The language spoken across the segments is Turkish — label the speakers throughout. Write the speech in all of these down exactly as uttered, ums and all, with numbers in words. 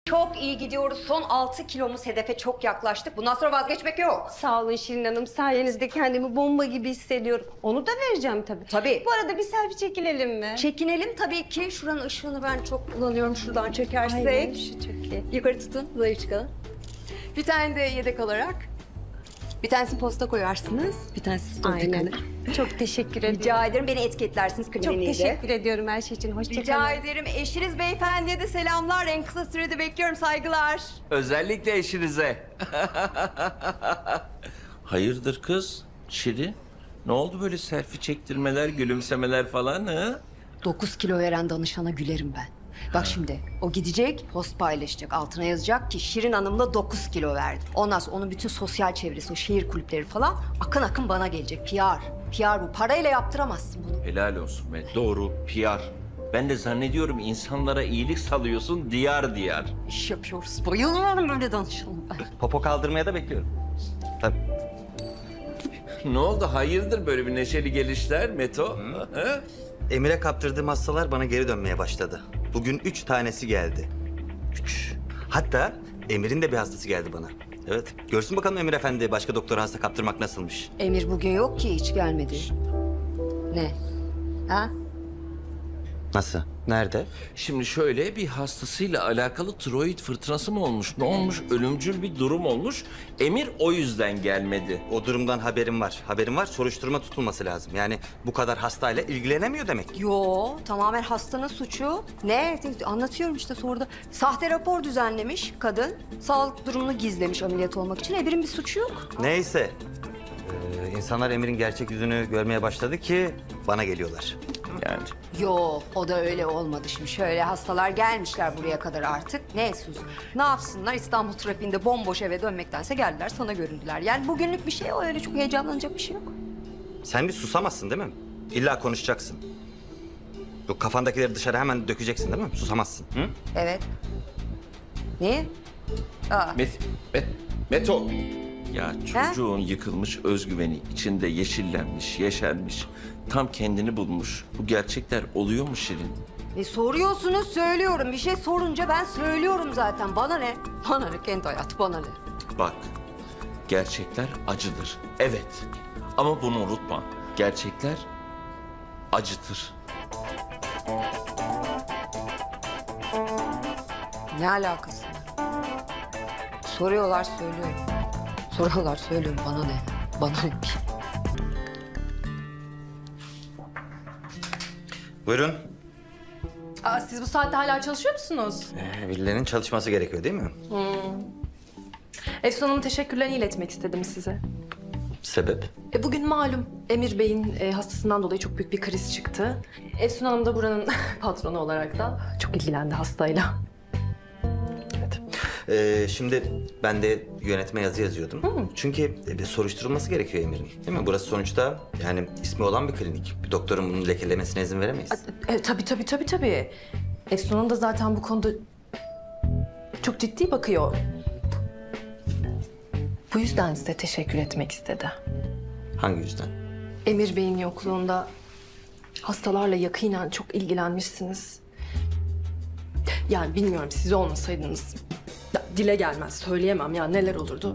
Speaker 1: Çok iyi gidiyoruz. Son altı kilomuz hedefe çok yaklaştık. Bundan sonra vazgeçmek yok.
Speaker 2: Sağ olun Şirin Hanım. Sayenizde kendimi bomba gibi hissediyorum. Onu da vereceğim tabii.
Speaker 1: Tabii.
Speaker 2: Bu arada bir selfie çekilelim mi?
Speaker 1: Çekinelim tabii ki. Şuranın ışığını ben çok kullanıyorum. Şuradan çekersek.
Speaker 2: Aynen, şu çok iyi.
Speaker 1: Yukarı tutun, zayıf çıkalım. Bir tane de yedek olarak. Bir tanesini posta koyarsınız, bir tanesi story'de
Speaker 2: Aynen.
Speaker 1: kalır.
Speaker 2: Çok teşekkür ederim.
Speaker 1: Rica ederim, beni etiketlersiniz
Speaker 2: Çok
Speaker 1: kliniğinde.
Speaker 2: teşekkür ediyorum her şey için. Hoşça
Speaker 1: Rica
Speaker 2: kalın.
Speaker 1: ederim. Eşiniz beyefendiye de selamlar. En kısa sürede bekliyorum. Saygılar.
Speaker 3: Özellikle eşinize. Hayırdır kız? Şirin? Ne oldu böyle selfie çektirmeler, gülümsemeler falan ha?
Speaker 1: Dokuz kilo veren danışana gülerim ben. Bak şimdi o gidecek, post paylaşacak. Altına yazacak ki Şirin Hanım'la dokuz kilo verdi. Ondan sonra onun bütün sosyal çevresi, o şehir kulüpleri falan akın akın bana gelecek. P R. P R bu. Parayla yaptıramazsın bunu.
Speaker 3: Helal olsun be. Doğru, P R. Ben de zannediyorum insanlara iyilik salıyorsun diyar diyar.
Speaker 1: İş yapıyoruz. Bayılıyorum böyle danışana ben.
Speaker 4: Popo kaldırmaya da bekliyorum. Tabii.
Speaker 3: Ne oldu? Hayırdır böyle bir neşeli gelişler Meto? Ha?
Speaker 4: Emir'e kaptırdığım hastalar bana geri dönmeye başladı. Bugün üç tanesi geldi. Üç. Hatta Emir'in de bir hastası geldi bana. Evet. Görsün bakalım Emir Efendi başka doktora hasta kaptırmak nasılmış.
Speaker 1: Emir bugün yok ki, hiç gelmedi. Ne? Ha?
Speaker 4: Nasıl? Nerede?
Speaker 3: Şimdi şöyle bir hastasıyla alakalı tiroid fırtınası mı olmuş? Ne olmuş? Ölümcül bir durum olmuş. Emir o yüzden gelmedi.
Speaker 4: O durumdan haberim var. Haberim var. Soruşturma tutulması lazım. Yani bu kadar hastayla ilgilenemiyor demek ki.
Speaker 1: Yo, tamamen hastanın suçu. Ne? Anlatıyorum işte sonra da. Sahte rapor düzenlemiş kadın. Sağlık durumunu gizlemiş ameliyat olmak için. Emir'in bir suçu yok.
Speaker 4: Neyse. Ee, insanlar Emir'in gerçek yüzünü görmeye başladı ki bana geliyorlar.
Speaker 3: Yani.
Speaker 1: Yo, o da öyle olmadı şimdi. Şöyle hastalar gelmişler buraya kadar artık. Ne Suzi? Ne yapsınlar? İstanbul trafiğinde bomboş eve dönmektense geldiler, sana göründüler. Yani bugünlük bir şey o, öyle çok heyecanlanacak bir şey yok.
Speaker 4: Sen bir susamazsın değil mi? İlla konuşacaksın. Bu kafandakileri dışarı hemen dökeceksin değil mi? Susamazsın. Hı?
Speaker 1: Evet. Niye? Aa,
Speaker 3: Met, Met, Meto. Ya çocuğun yıkılmış özgüveni içinde yeşillenmiş, yeşermiş. Tam kendini bulmuş. Bu gerçekler oluyor mu Şirin?
Speaker 1: e, soruyorsunuz, söylüyorum. Bir şey sorunca ben söylüyorum zaten. Bana ne? Bana ne? Kendi hayatı bana ne?
Speaker 3: Bak, gerçekler acıdır. Evet. Ama bunu unutma. Gerçekler acıtır.
Speaker 1: Ne alakası var? Soruyorlar, söylüyorum. Soruyorlar, söylüyorum. Bana ne? Bana ne?
Speaker 4: Buyurun.
Speaker 5: Aa, siz bu saatte hala çalışıyor musunuz?
Speaker 4: Ee, birilerinin çalışması gerekiyor değil mi?
Speaker 5: Efsun Hanım'ın teşekkürlerini iletmek istedim size.
Speaker 4: Sebep?
Speaker 5: E, bugün malum Emir Bey'in e, hastasından dolayı çok büyük bir kriz çıktı. Efsun Hanım da buranın patronu olarak da çok ilgilendi hastayla.
Speaker 4: Evet. Ee, şimdi ben de yönetme yazı yazıyordum. Çünkü e, bir soruşturulması gerekiyor Emir'in. Değil mi? Burası sonuçta yani ismi olan bir klinik. Bir doktorun bunu lekelemesine izin veremeyiz.
Speaker 5: E, tabii tabii tabii tabii. Efsun Hanım da zaten bu konuda çok ciddi bakıyor. Bu yüzden size teşekkür etmek istedi.
Speaker 4: Hangi yüzden?
Speaker 5: Emir Bey'in yokluğunda hastalarla yakinen çok ilgilenmişsiniz. Yani bilmiyorum, siz olmasaydınız ya, dile gelmez, söyleyemem ya neler olurdu.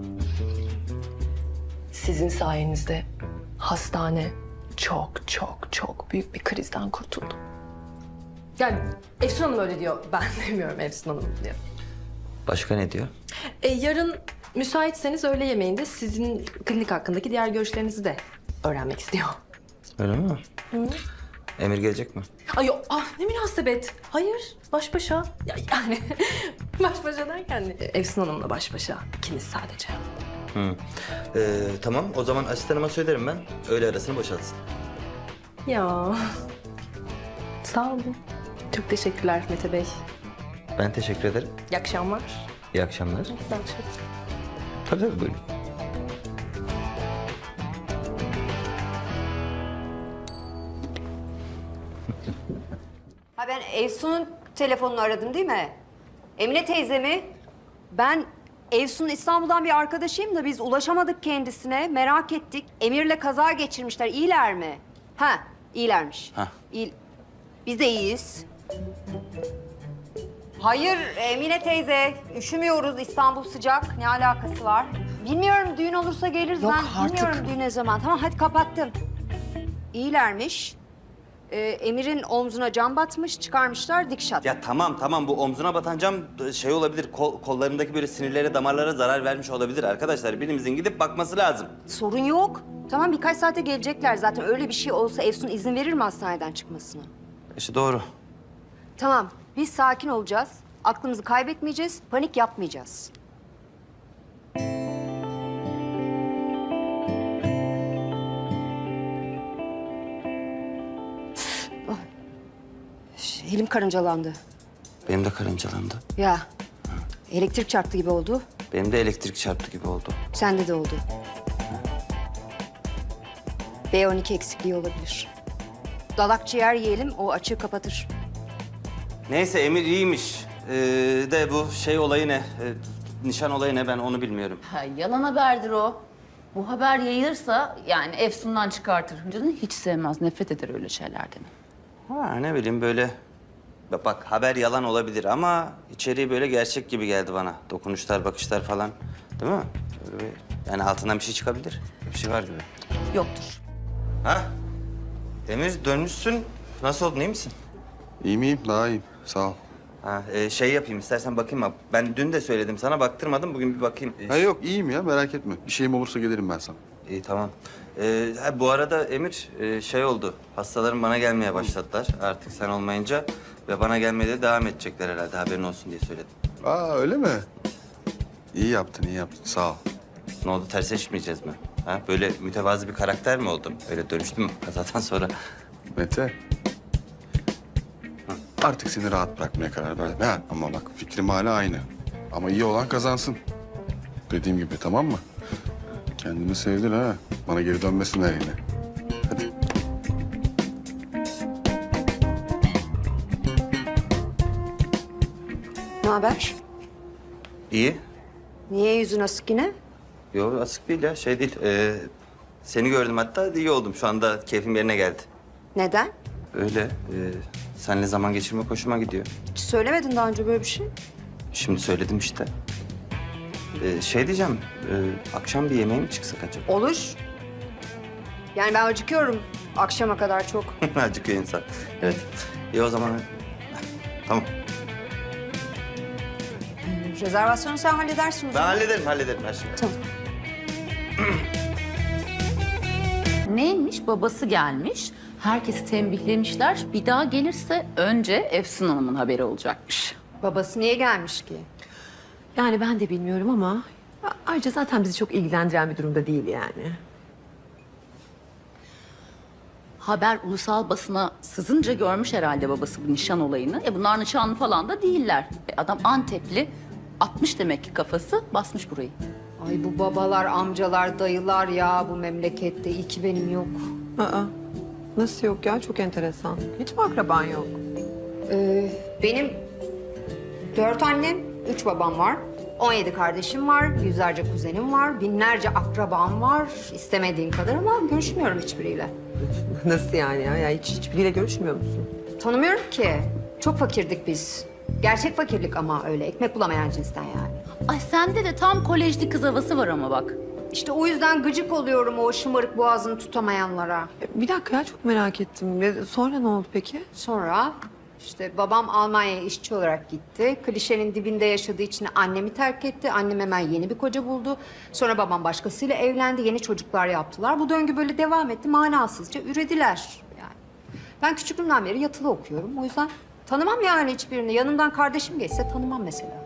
Speaker 5: Sizin sayenizde hastane çok çok çok büyük bir krizden kurtuldu. Yani Efsun Hanım öyle diyor, ben demiyorum, Efsun Hanım diyor.
Speaker 4: Başka ne diyor?
Speaker 5: E, yarın müsaitseniz öğle yemeğinde sizin klinik hakkındaki diğer görüşlerinizi de öğrenmek istiyor.
Speaker 4: Öyle mi? Emir gelecek mi?
Speaker 5: Ay yok, ah ne münasebet. Hayır, baş başa. Ya, yani baş başa derken e, Efsun Hanım'la baş başa. İkiniz sadece.
Speaker 4: Hı. Ee, tamam o zaman asistanıma söylerim ben. Öğle arasını boşaltsın.
Speaker 5: Ya sağ olun. Çok teşekkürler Mete Bey.
Speaker 4: Ben teşekkür ederim.
Speaker 5: İyi akşamlar.
Speaker 4: İyi akşamlar.
Speaker 5: İyi akşamlar.
Speaker 4: Tabii tabii buyurun.
Speaker 1: Ha ben Efsun'un telefonunu aradım değil mi? Emine teyze mi? Ben Efsun'un İstanbul'dan bir arkadaşıyım da biz ulaşamadık kendisine. Merak ettik. Emir'le kaza geçirmişler. İyiler mi? Ha, iyilermiş.
Speaker 4: Ha.
Speaker 1: İyi. Biz de iyiyiz. Hayır Emine teyze, üşümüyoruz. İstanbul sıcak. Ne alakası var? Bilmiyorum, düğün olursa geliriz.
Speaker 5: Yok
Speaker 1: ben
Speaker 5: artık.
Speaker 1: bilmiyorum düğün ne zaman. Tamam, hadi kapattım. İyilermiş. Ee, Emir'in omzuna cam batmış, çıkarmışlar dikşat.
Speaker 4: Ya tamam tamam bu omzuna batan cam şey olabilir. Kol, kollarındaki böyle sinirlere, damarlara zarar vermiş olabilir arkadaşlar. Birimizin gidip bakması lazım.
Speaker 1: Sorun yok. Tamam, birkaç saate gelecekler zaten. Öyle bir şey olsa Efsun izin verir mi hastaneden çıkmasına?
Speaker 4: İşte doğru.
Speaker 1: Tamam, biz sakin olacağız. Aklımızı kaybetmeyeceğiz, panik yapmayacağız. Oh. Elim karıncalandı.
Speaker 4: Benim de karıncalandı.
Speaker 1: Ya, elektrik çarptı gibi oldu.
Speaker 4: Benim de elektrik çarptı gibi oldu.
Speaker 1: Sende de oldu. B on iki eksikliği olabilir. Dalak ciğer yiyelim, o açığı kapatır.
Speaker 4: Neyse Emir iyiymiş. Ee, de bu şey olayı ne? Ee, nişan olayı ne ben onu bilmiyorum.
Speaker 6: Ha, yalan haberdir o. Bu haber yayılırsa yani Efsun'dan çıkartır. Canını hiç sevmez, nefret eder öyle şeylerden.
Speaker 4: Ha ne bileyim böyle. Bak, bak haber yalan olabilir ama içeriği böyle gerçek gibi geldi bana. Dokunuşlar, bakışlar falan. Değil mi? Böyle bir- yani altından bir şey çıkabilir. Bir şey var gibi.
Speaker 6: Yoktur.
Speaker 4: Ha? Emir dönmüşsün. Nasıl oldun iyi misin?
Speaker 7: İyi miyim? Daha iyiyim. Sağ ol.
Speaker 4: Ha, e, şey yapayım istersen bakayım abi. Ben dün de söyledim sana baktırmadım. Bugün bir bakayım. E,
Speaker 7: Ha yok iyiyim ya merak etme. Bir şeyim olursa gelirim ben sana.
Speaker 4: İyi tamam. Ee, ha, bu arada Emir e, şey oldu. Hastalarım bana gelmeye başladılar artık sen olmayınca. Ve bana gelmeye de devam edecekler herhalde haberin olsun diye söyledim.
Speaker 7: Aa öyle mi? İyi yaptın iyi yaptın sağ ol.
Speaker 4: Ne oldu tersleşmeyeceğiz mi? Ha, böyle mütevazı bir karakter mi oldum? Öyle dönüştüm kazadan sonra.
Speaker 7: Mete. Artık seni rahat bırakmaya karar verdim. Ha, ama bak fikrim hala aynı. Ama iyi olan kazansın. Dediğim gibi tamam mı? Kendini sevdin ha. Bana geri dönmesinler yine. Hadi.
Speaker 1: Ne haber?
Speaker 4: İyi.
Speaker 1: Niye yüzün asık yine?
Speaker 4: Yok asık değil ya şey değil. Ee, seni gördüm hatta iyi oldum. Şu anda keyfim yerine geldi.
Speaker 1: Neden?
Speaker 4: Öyle. E, seninle zaman geçirmek hoşuma gidiyor.
Speaker 1: Hiç söylemedin daha önce böyle bir şey.
Speaker 4: Şimdi söyledim işte. Ee, şey diyeceğim, e, akşam bir yemeğe mi çıksak acaba?
Speaker 1: Olur. Yani ben acıkıyorum akşama kadar çok.
Speaker 4: Acıkıyor insan. Evet. İyi o zaman. Tamam.
Speaker 1: Rezervasyonu sen halledersin o
Speaker 4: Ben
Speaker 1: zaman.
Speaker 4: hallederim, hallederim her şeyi.
Speaker 1: Tamam.
Speaker 6: Neymiş? Babası gelmiş. Herkesi tembihlemişler. Bir daha gelirse önce Efsun Hanım'ın haberi olacakmış.
Speaker 1: Babası niye gelmiş ki?
Speaker 8: Yani ben de bilmiyorum ama ayrıca zaten bizi çok ilgilendiren bir durumda değil yani.
Speaker 6: Haber ulusal basına sızınca görmüş herhalde babası bu nişan olayını. E bunlar nişanlı falan da değiller. E adam Antepli. Atmış demek ki kafası, basmış burayı.
Speaker 1: Ay bu babalar, amcalar, dayılar ya bu memlekette. İyi ki benim yok.
Speaker 8: Aa, nasıl yok ya? Çok enteresan. Hiç mi akraban yok?
Speaker 1: Ee, benim dört annem, üç babam var. On yedi kardeşim var, yüzlerce kuzenim var, binlerce akrabam var. İstemediğin kadar ama görüşmüyorum hiçbiriyle.
Speaker 8: Nasıl yani ya? ya hiç hiçbiriyle görüşmüyor musun?
Speaker 1: Tanımıyorum ki. Çok fakirdik biz. Gerçek fakirlik ama öyle. Ekmek bulamayan cinsten yani.
Speaker 6: Ay sende de tam kolejli kız havası var ama bak.
Speaker 1: İşte o yüzden gıcık oluyorum o şımarık boğazını tutamayanlara.
Speaker 8: E, Bir dakika ya çok merak ettim. Ve Sonra ne oldu peki?
Speaker 1: Sonra işte babam Almanya'ya işçi olarak gitti. Klişenin dibinde yaşadığı için annemi terk etti. Annem hemen yeni bir koca buldu. Sonra babam başkasıyla evlendi. Yeni çocuklar yaptılar. Bu döngü böyle devam etti. Manasızca ürediler yani. Ben küçüklüğümden beri yatılı okuyorum. O yüzden tanımam yani hiçbirini. Yanımdan kardeşim geçse tanımam mesela.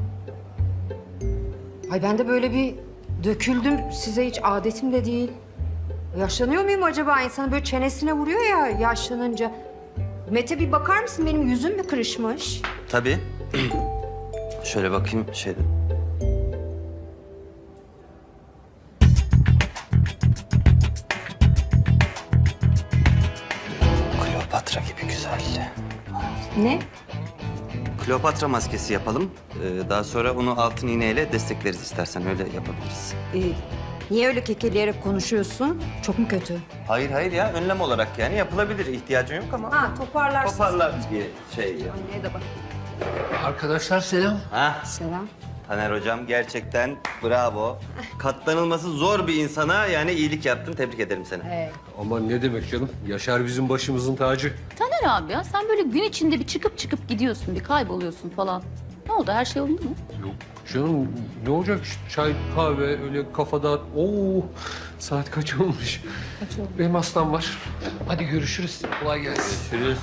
Speaker 1: Ay ben de böyle bir döküldüm. Size hiç adetim de değil. Yaşlanıyor muyum acaba? İnsanın böyle çenesine vuruyor ya yaşlanınca. Mete bir bakar mısın? Benim yüzüm mü kırışmış?
Speaker 4: Tabii. Şöyle bakayım şeyde. Kleopatra gibi güzel.
Speaker 1: Ne?
Speaker 4: Kleopatra maskesi yapalım. Ee, daha sonra onu altın iğneyle destekleriz istersen öyle yapabiliriz.
Speaker 1: Ee, niye öyle kekeleyerek konuşuyorsun? Çok mu kötü?
Speaker 4: Hayır hayır ya önlem olarak yani yapılabilir. İhtiyacın yok ama.
Speaker 1: Ha toparlarsın.
Speaker 4: Toparlar diye şey ya.
Speaker 1: Anneye de bak.
Speaker 9: Arkadaşlar selam.
Speaker 4: Ha?
Speaker 1: Selam.
Speaker 4: Taner hocam gerçekten bravo. Katlanılması zor bir insana yani iyilik yaptın. Tebrik ederim seni.
Speaker 9: Aman ne demek canım. Yaşar bizim başımızın tacı.
Speaker 6: Taner abi ya sen böyle gün içinde bir çıkıp çıkıp gidiyorsun, bir kayboluyorsun falan. Ne oldu, her şey oldu mu?
Speaker 9: Yok canım ne olacak işte çay, kahve, öyle kafada. Oo saat kaç olmuş? Kaç oldu? Benim hastam var. Hadi görüşürüz. Kolay gelsin.
Speaker 4: Görüşürüz.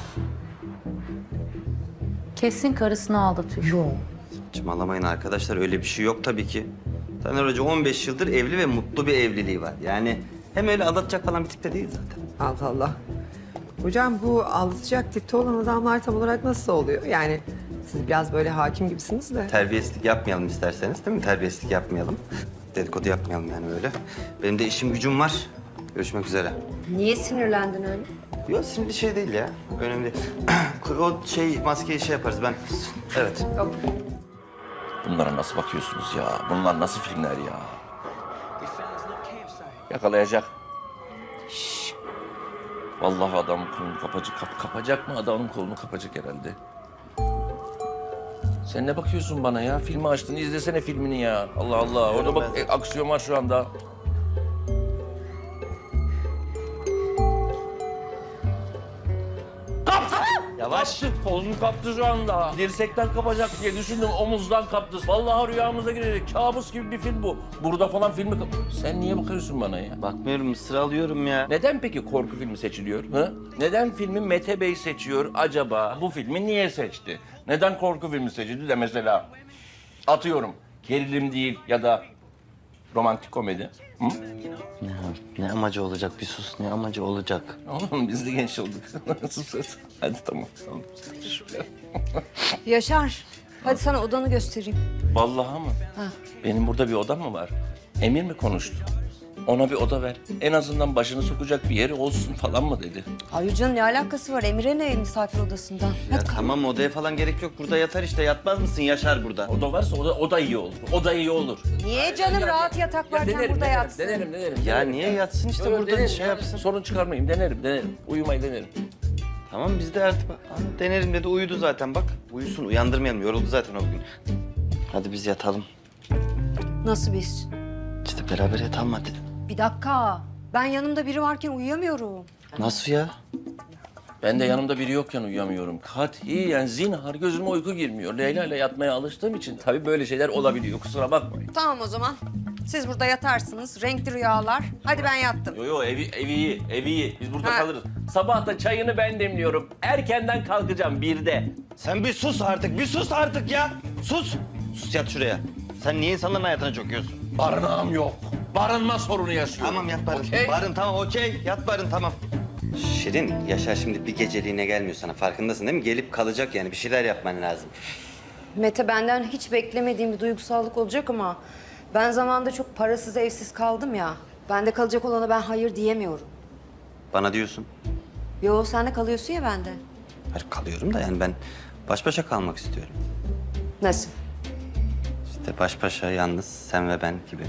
Speaker 6: Kesin karısını aldatıyor. Yok.
Speaker 4: Saçmalamayın arkadaşlar öyle bir şey yok tabii ki. Taner Hoca on beş yıldır evli ve mutlu bir evliliği var. Yani hem öyle aldatacak falan bir tip de değil zaten.
Speaker 10: Allah Allah. Hocam bu aldatacak tipte olan adamlar tam olarak nasıl oluyor? Yani siz biraz böyle hakim gibisiniz de.
Speaker 4: Terbiyesizlik yapmayalım isterseniz değil mi? Terbiyesizlik yapmayalım. Dedikodu yapmayalım yani öyle. Benim de işim gücüm var. Görüşmek üzere.
Speaker 1: Niye sinirlendin öyle?
Speaker 4: Yok sinirli şey değil ya. Önemli değil. O şey maskeyi şey yaparız ben. Evet.
Speaker 3: Bunlara nasıl bakıyorsunuz ya? Bunlar nasıl filmler ya? Yakalayacak. Şşş. Vallahi adamın kolunu kapacak. Kap, kapacak mı? Adamın kolunu kapacak herhalde. Sen ne bakıyorsun bana ya? Filmi açtın, izlesene filmini ya. Allah Allah. Orada bak e, aksiyon var şu anda.
Speaker 4: Yavaş.
Speaker 3: Kaptı, kolunu kaptı şu anda. Dirsekten kapacak diye düşündüm, omuzdan kaptı. Vallahi rüyamıza girecek. Kabus gibi bir film bu. Burada falan filmi kap... Sen niye bakıyorsun bana ya?
Speaker 4: Bakmıyorum sıralıyorum ya.
Speaker 3: Neden peki korku filmi seçiliyor? Ha? Neden filmi Mete Bey seçiyor acaba? Bu filmi niye seçti? Neden korku filmi seçildi de mesela atıyorum gerilim değil ya da romantik komedi? Hı?
Speaker 4: Ne, ne amacı olacak? Bir sus ne amacı olacak?
Speaker 3: Oğlum biz de genç olduk. Sus sus. Hadi tamam. tamam.
Speaker 1: Yaşar, hadi sana odanı göstereyim.
Speaker 3: Vallahi mı? Benim burada bir odam mı var? Emir mi konuştu? Ona bir oda ver. En azından başını sokacak bir yeri olsun falan mı dedi?
Speaker 1: Hayır canım ne alakası var? Emir'e ne misafir odasından?
Speaker 4: Ya tamam odaya falan gerek yok. Burada yatar işte. Yatmaz mısın Yaşar burada?
Speaker 3: Oda varsa o da, o da iyi olur. O da iyi olur.
Speaker 1: Niye canım rahat yatak varken
Speaker 3: denerim,
Speaker 1: burada
Speaker 3: denerim,
Speaker 1: yatsın?
Speaker 3: Denerim, denerim.
Speaker 4: Ya
Speaker 3: denerim.
Speaker 4: niye yatsın işte
Speaker 3: Öyle
Speaker 4: burada
Speaker 3: denerim,
Speaker 4: şey
Speaker 3: denerim.
Speaker 4: yapsın.
Speaker 3: Sorun çıkarmayayım, denerim, denerim. Uyumayı denerim.
Speaker 4: Tamam biz de artık Aa, denerim dedi uyudu zaten bak. Uyusun uyandırmayalım yoruldu zaten o gün. Hadi biz yatalım.
Speaker 1: Nasıl biz?
Speaker 4: İşte beraber yatalım hadi.
Speaker 1: Bir dakika. Ben yanımda biri varken uyuyamıyorum.
Speaker 4: Nasıl ya?
Speaker 3: Ben de yanımda biri yokken uyuyamıyorum. Katiyen zinhar gözüme uyku girmiyor. Leyla ile yatmaya alıştığım için tabii böyle şeyler olabiliyor. Kusura bakmayın.
Speaker 1: Tamam o zaman. Siz burada yatarsınız. Renkli rüyalar. Hadi ben yattım.
Speaker 3: Yo yo evi, evi iyi, evi iyi. Biz burada
Speaker 1: Ha.
Speaker 3: kalırız. Sabah da çayını ben demliyorum. Erkenden kalkacağım birde.
Speaker 4: Sen bir sus artık bir sus artık ya. Sus. Sus yat şuraya. Sen niye insanların hayatına çöküyorsun?
Speaker 3: Barınağım yok. Barınma sorunu yaşıyorum.
Speaker 4: Tamam yat Barın.
Speaker 3: Okey.
Speaker 4: Barın tamam okey. Yat Barın tamam. Şirin, Yaşar şimdi bir geceliğine gelmiyor sana. Farkındasın değil mi? Gelip kalacak yani. Bir şeyler yapman lazım.
Speaker 1: Mete benden hiç beklemediğim bir duygusallık olacak ama... ...ben zamanında çok parasız evsiz kaldım ya. Bende kalacak olana ben hayır diyemiyorum.
Speaker 4: Bana diyorsun.
Speaker 1: Yo sen de kalıyorsun ya bende.
Speaker 4: Hayır kalıyorum da yani ben baş başa kalmak istiyorum.
Speaker 1: Nasıl?
Speaker 4: İşte baş başa yalnız sen ve ben gibi.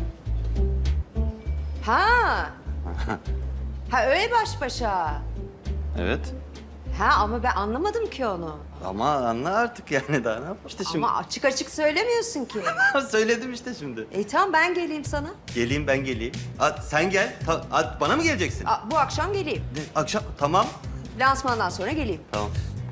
Speaker 1: Ha. Ha öyle baş başa.
Speaker 4: Evet.
Speaker 1: Ha ama ben anlamadım ki onu.
Speaker 4: Ama anla artık yani daha ne yapayım işte şimdi.
Speaker 1: Ama açık açık söylemiyorsun ki.
Speaker 4: Söyledim işte şimdi.
Speaker 1: E tamam ben geleyim sana.
Speaker 4: Geleyim ben geleyim. At, sen gel. Ta, at, bana mı geleceksin?
Speaker 1: Aa, bu akşam geleyim.
Speaker 4: Ne, akşam tamam.
Speaker 1: Lansmandan sonra geleyim.
Speaker 4: Tamam.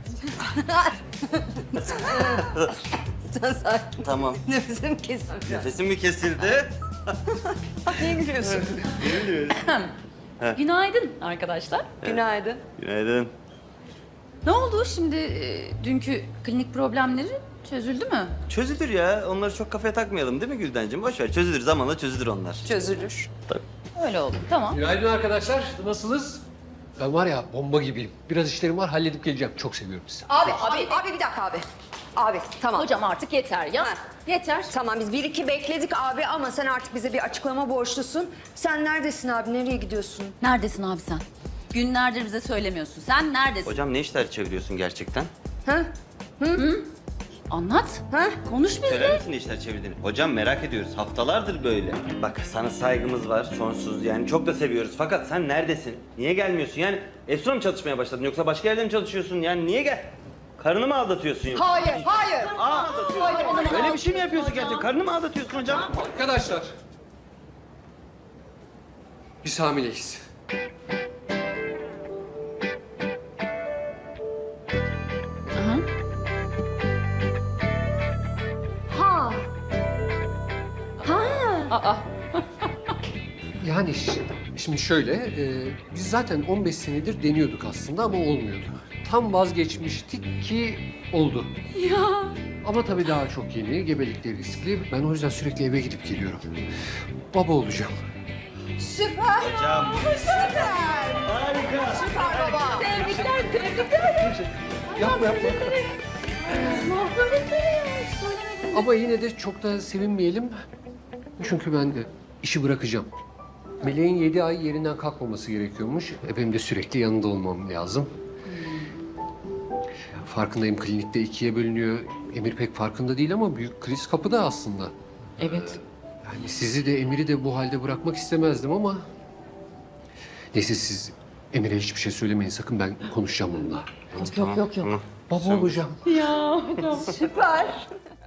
Speaker 1: Sen sakin.
Speaker 4: Tamam.
Speaker 1: Nefesim kesildi.
Speaker 4: Nefesim mi kesildi?
Speaker 1: Niye gülüyorsun?
Speaker 6: Günaydın arkadaşlar.
Speaker 1: Günaydın.
Speaker 4: Günaydın.
Speaker 6: Ne oldu şimdi e, dünkü klinik problemleri çözüldü mü?
Speaker 4: Çözülür ya. Onları çok kafaya takmayalım değil mi Güldencim? Boş ver. Çözülür. Zamanla çözülür onlar.
Speaker 1: Çözülür.
Speaker 6: Öyle oldu. Tamam.
Speaker 9: Günaydın arkadaşlar. Nasılsınız? Ben var ya bomba gibiyim. Biraz işlerim var halledip geleceğim. Çok seviyorum sizi.
Speaker 1: Abi, abi, abi bir dakika abi. Abi tamam.
Speaker 6: Hocam artık yeter ya.
Speaker 1: Ha.
Speaker 6: Yeter.
Speaker 1: Tamam biz bir iki bekledik abi ama sen artık bize bir açıklama borçlusun. Sen neredesin abi? Nereye gidiyorsun?
Speaker 6: Neredesin abi sen? Günlerdir bize söylemiyorsun. Sen neredesin?
Speaker 4: Hocam ne işler çeviriyorsun gerçekten?
Speaker 1: Ha?
Speaker 6: Anlat.
Speaker 1: Ha?
Speaker 6: Konuş bizle.
Speaker 4: Söyler misin ne işler çevirdiğini? Hocam merak ediyoruz. Haftalardır böyle. Bak sana saygımız var sonsuz. Yani çok da seviyoruz. Fakat sen neredesin? Niye gelmiyorsun? Yani Efsun'a mı çalışmaya başladın yoksa başka yerde mi çalışıyorsun? Yani niye gel?
Speaker 11: Karını mı aldatıyorsun yoksa?
Speaker 1: Hayır, hayır.
Speaker 11: Aa, öyle bir şey mi yapıyorsun gerçekten? Karını mı aldatıyorsun hocam?
Speaker 9: Arkadaşlar. Biz hamileyiz. Yani ş- şimdi şöyle, e, biz zaten on beş senedir deniyorduk aslında ama olmuyordu. Tam vazgeçmiştik ki oldu. Ya. Ama tabii daha çok yeni, gebelikleri riskli. Ben o yüzden sürekli eve gidip geliyorum. Baba olacağım.
Speaker 11: Hocam.
Speaker 9: Yapma yapma. Ama yine de çok da sevinmeyelim. Çünkü ben de işi bırakacağım. Meleğin yedi ay yerinden kalkmaması gerekiyormuş. E benim de sürekli yanında olmam lazım. Farkındayım, klinikte ikiye bölünüyor. Emir pek farkında değil ama büyük kriz kapıda aslında.
Speaker 8: Evet.
Speaker 9: Yani sizi de Emir'i de bu halde bırakmak istemezdim ama... Neyse siz Emir'e hiçbir şey söylemeyin sakın, ben konuşacağım onunla.
Speaker 8: Yok yok yok.
Speaker 9: Baba olacağım.
Speaker 2: Süper.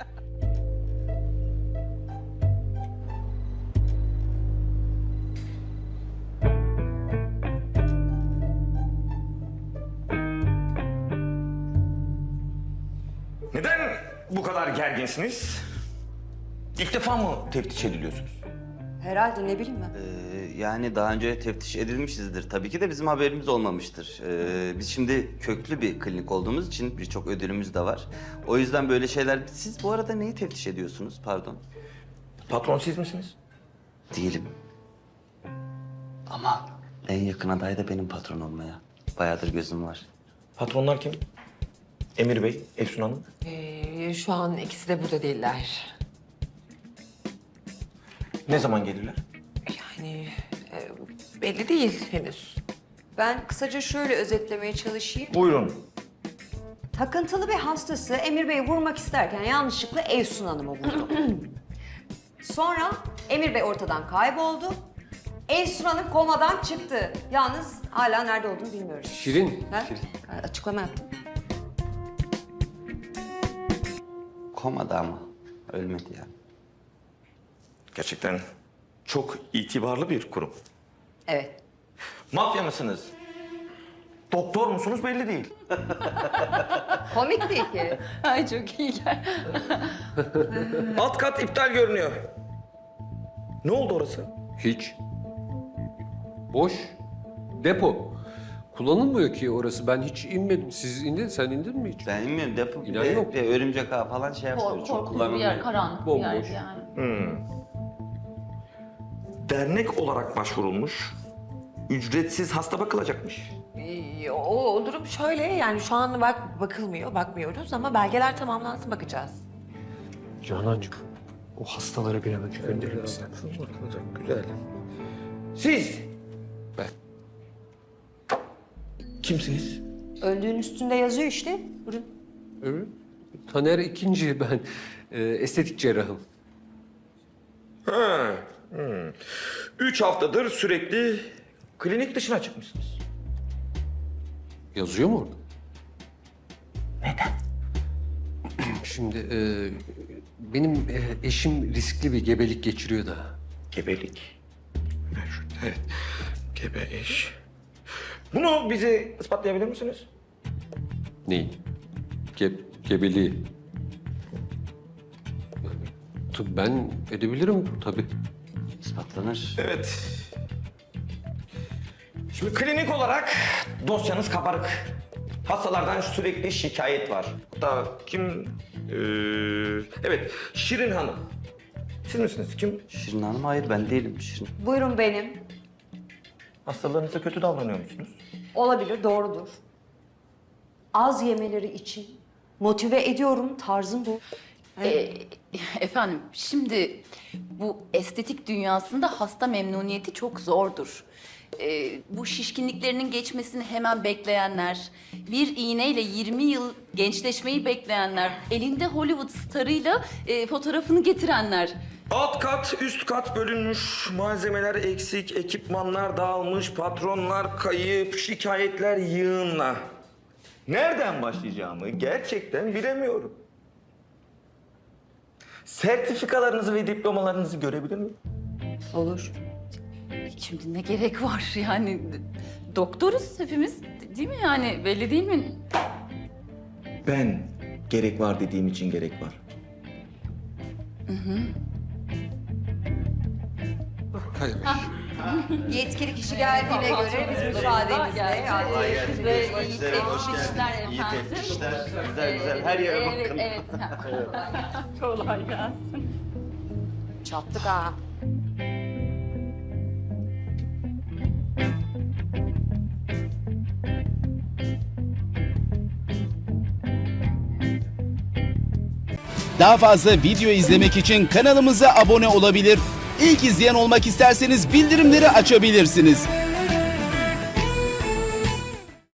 Speaker 12: Neden bu kadar gerginsiniz? İlk defa mı teftiş ediliyorsunuz?
Speaker 1: Herhalde ne bileyim ben.
Speaker 4: Ee, yani daha önce teftiş edilmişizdir. Tabii ki de bizim haberimiz olmamıştır. Ee, biz şimdi köklü bir klinik olduğumuz için birçok ödülümüz de var. O yüzden böyle şeyler... Siz bu arada neyi teftiş ediyorsunuz? Pardon.
Speaker 12: Patron siz misiniz?
Speaker 4: Değilim. Ama en yakın aday da benim patron olmaya. Bayağıdır gözüm var.
Speaker 12: Patronlar kim? Emir Bey, Efsun Hanım.
Speaker 8: Ee, şu an ikisi de burada değiller.
Speaker 12: Ne zaman gelirler?
Speaker 8: Yani e, belli değil henüz.
Speaker 1: Ben kısaca şöyle özetlemeye çalışayım.
Speaker 12: Buyurun.
Speaker 1: Takıntılı bir hastası Emir Bey'i vurmak isterken yanlışlıkla Efsun Hanım'ı vurdu. Sonra Emir Bey ortadan kayboldu. Efsun Hanım komadan çıktı. Yalnız hala nerede olduğunu bilmiyoruz.
Speaker 9: Şirin.
Speaker 1: Ha?
Speaker 9: Şirin.
Speaker 1: Ha, Açıklama yaptım.
Speaker 4: Komada ama. Ölmedi yani.
Speaker 12: Gerçekten çok itibarlı bir kurum.
Speaker 1: Evet.
Speaker 12: Mafya mısınız? Doktor musunuz belli değil.
Speaker 1: Komik değil ki.
Speaker 6: Ay çok iyi gel.
Speaker 12: Alt kat iptal görünüyor. Ne oldu orası?
Speaker 9: Hiç. Boş. Depo. Kullanılmıyor ki orası. Ben hiç inmedim. Siz indin, sen indin mi hiç?
Speaker 4: Ben bilmiyorum. Depo
Speaker 9: İnan
Speaker 4: ve,
Speaker 9: yok.
Speaker 4: ve örümcek ağı falan şey yapıyor.
Speaker 6: Kork,
Speaker 4: Çok
Speaker 6: korkulu bir yer,
Speaker 4: kullanılmıyor.
Speaker 6: karanlık bir
Speaker 9: Bomboş.
Speaker 6: yer yani.
Speaker 12: Dernek olarak başvurulmuş. Ücretsiz hasta bakılacakmış.
Speaker 8: Ee, o, o durum şöyle yani şu an bak bakılmıyor, bakmıyoruz ama belgeler tamamlansın bakacağız.
Speaker 9: Canancığım, o hastalara bir an önce gönderir misin?
Speaker 12: Bakılacak, güzel. Siz
Speaker 9: Ben.
Speaker 12: kimsiniz?
Speaker 1: Öldüğün üstünde yazıyor işte. Buyurun.
Speaker 9: Evet. Taner ikinci ben. Ee, estetik cerrahım.
Speaker 12: Ha, hmm. Üç haftadır sürekli klinik dışına çıkmışsınız.
Speaker 9: Yazıyor mu orada? Neden? Şimdi e, benim e, eşim riskli bir gebelik geçiriyor da.
Speaker 12: Gebelik. Evet, gebe eş. Bunu bize ispatlayabilir misiniz?
Speaker 9: Neyi? Ge gebeliği. Tabii ben edebilirim tabii.
Speaker 4: İspatlanır.
Speaker 12: Evet. Şimdi klinik olarak dosyanız kabarık. Hastalardan sürekli şikayet var. Hatta kim? Ee, evet, Şirin Hanım. Siz misiniz? Kim?
Speaker 4: Şirin Hanım hayır ben değilim Şirin.
Speaker 1: Buyurun benim.
Speaker 12: Hastalarınıza kötü davranıyor musunuz?
Speaker 1: Olabilir, doğrudur. Az yemeleri için motive ediyorum, tarzım bu.
Speaker 6: Ee, efendim şimdi bu estetik dünyasında hasta memnuniyeti çok zordur. Ee, bu şişkinliklerinin geçmesini hemen bekleyenler, bir iğneyle yirmi yıl gençleşmeyi bekleyenler, elinde Hollywood starıyla e, fotoğrafını getirenler.
Speaker 12: Alt kat, üst kat bölünmüş, malzemeler eksik, ekipmanlar dağılmış, patronlar kayıp, şikayetler yığınla. Nereden başlayacağımı gerçekten bilemiyorum. Sertifikalarınızı ve diplomalarınızı görebilir miyim?
Speaker 1: Olur.
Speaker 6: Şimdi ne gerek var yani? Doktoruz hepimiz değil mi yani? Belli değil mi?
Speaker 12: Ben gerek var dediğim için gerek var.
Speaker 9: Hadi be.
Speaker 1: Yetkili kişi geldiğine göre biz müsaadenizle adliyeye
Speaker 6: Ve
Speaker 12: Hoş
Speaker 6: iyi
Speaker 12: geldiniz.
Speaker 6: teftişler
Speaker 12: İyi
Speaker 6: efendim.
Speaker 12: teftişler. Güzel güzel. Her yere
Speaker 6: Evet,
Speaker 12: bakın.
Speaker 6: evet. Kolay gelsin.
Speaker 1: çattık ha.
Speaker 13: Daha fazla video izlemek için kanalımıza abone olabilir. İlk izleyen olmak isterseniz bildirimleri açabilirsiniz.